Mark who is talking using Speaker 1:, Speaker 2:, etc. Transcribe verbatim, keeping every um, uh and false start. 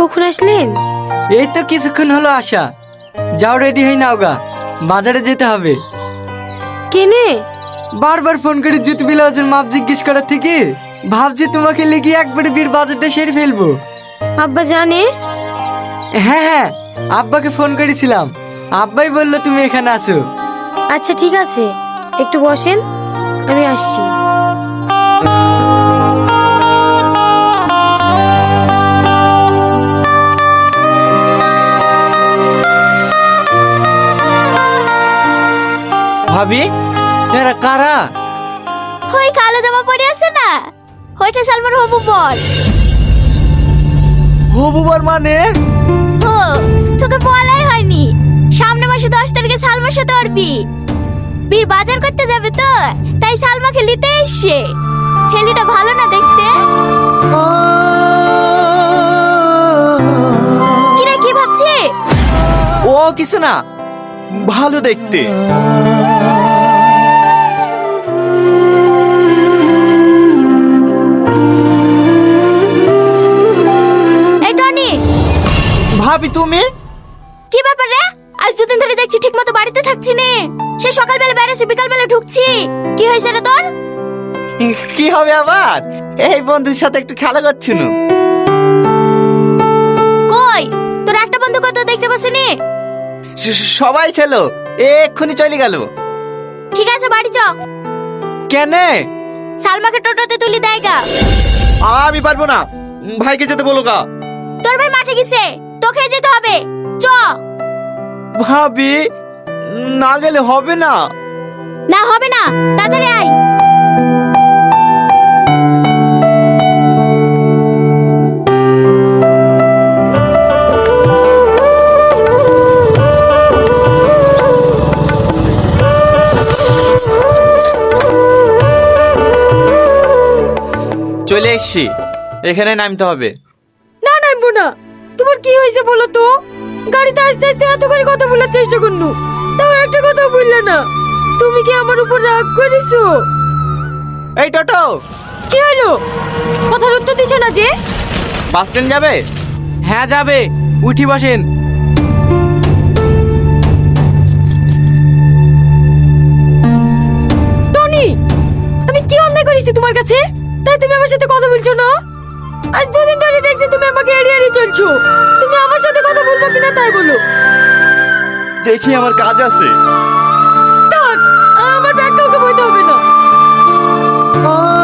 Speaker 1: কখন আসলেন?
Speaker 2: এই তো কিছুক্ষণ হলো আসা। যাও রেডি হই নাও গা, বাজারে যেতে হবে।
Speaker 1: কেনে?
Speaker 2: বারবার ফোন করে জুতো ব্লাউজের মাপ জিজ্ঞেস করার থেকে ভাবছি তোমাকে লিখে একবারে বীর বাজারটা সেরে ফেলবো।
Speaker 1: আব্বা জানে?
Speaker 2: হ্যাঁ হ্যাঁ, আব্বাকে ফোন করেছিলাম, আব্বাই বললো তুমি এখানে আসো।
Speaker 1: আচ্ছা ঠিক আছে, একটু বসেন, আমি আসছি।
Speaker 2: ভাবি এরা কারা?
Speaker 3: ওই কালো জামা পরে আছে না, ওইটা সালমান হবু বল।
Speaker 2: হবুবার মানে?
Speaker 3: ও তোকে বলাই হয়নি, সামনে মাসে দশ তারিখে সালমার সাথে ওর বিয়ে। বীর বাজার করতে যাবে তো, তাই সালমাকে নিতে এসছে। ছেলেটা ভালো না দেখতে? কিরে কি ভাবছি?
Speaker 2: ও কিছু না, ভালো দেখতে।
Speaker 3: এই টনি।
Speaker 2: ভাবি তুমি?
Speaker 3: কি ব্যাপার রে? আজ দুদিন ধরে দেখছি ঠিক মতো বাড়িতে থাকছি নে। সে সকালবেলা বেড়েছি, বিকালবেলা ঢুকছি। কি হয়েছে রে তোর?
Speaker 2: কি হবে আবার, এই বন্ধুর সাথে একটু খেলা করছিল।
Speaker 3: কই তোর একটা বন্ধু কত দেখতে পাসনি?
Speaker 2: সবাই ছিল, এক্ষুনি চলে গেল।
Speaker 3: ঠিক আছে বাড়ি চ।
Speaker 2: কেনে?
Speaker 3: সালমাকে টোটোতে তুলি দেয় গা।
Speaker 2: আমি পারবো না, ভাইকে যেতে বলো গা।
Speaker 3: তোর ভাই মাঠে গেছে, তোকে যেতে হবে, চ।
Speaker 2: ভাবি না গেলে হবে না।
Speaker 3: না হবে না, তাড়াতাড়ি আয়।
Speaker 2: চলে এসছি, এখানে নামতে হবে।
Speaker 1: না নামবো না। তোমার কি হয়েছে বলো তো? গাড়িতে আস্তে আস্তে এত করে কথা বলার চেষ্টা করনু, তাও একটা কথা বললে না। তুমি কি আমার উপর রাগ করেছো?
Speaker 2: এই টোটো,
Speaker 1: কি হলো? কথার উত্তর দিছো না যে?
Speaker 2: বাস স্ট্যান্ড যাবে? হ্যাঁ যাবে, উঠি বসেন।
Speaker 1: টনি, আমি কি অন্যায় করেছি তোমার কাছে, তাই তুমি আমার সাথে কথা বলছো না? আজ দুদিন ধরে দেখছি তুমি আমাকে এড়িয়ে এড়িয়ে চলছো। তুমি আমার সাথে কথা বলবো কিনা তাই বলো।
Speaker 2: দেখি আমার কাজ আছে।
Speaker 1: থাক, আমার ব্যাগ কাউকে বইতে হবে না।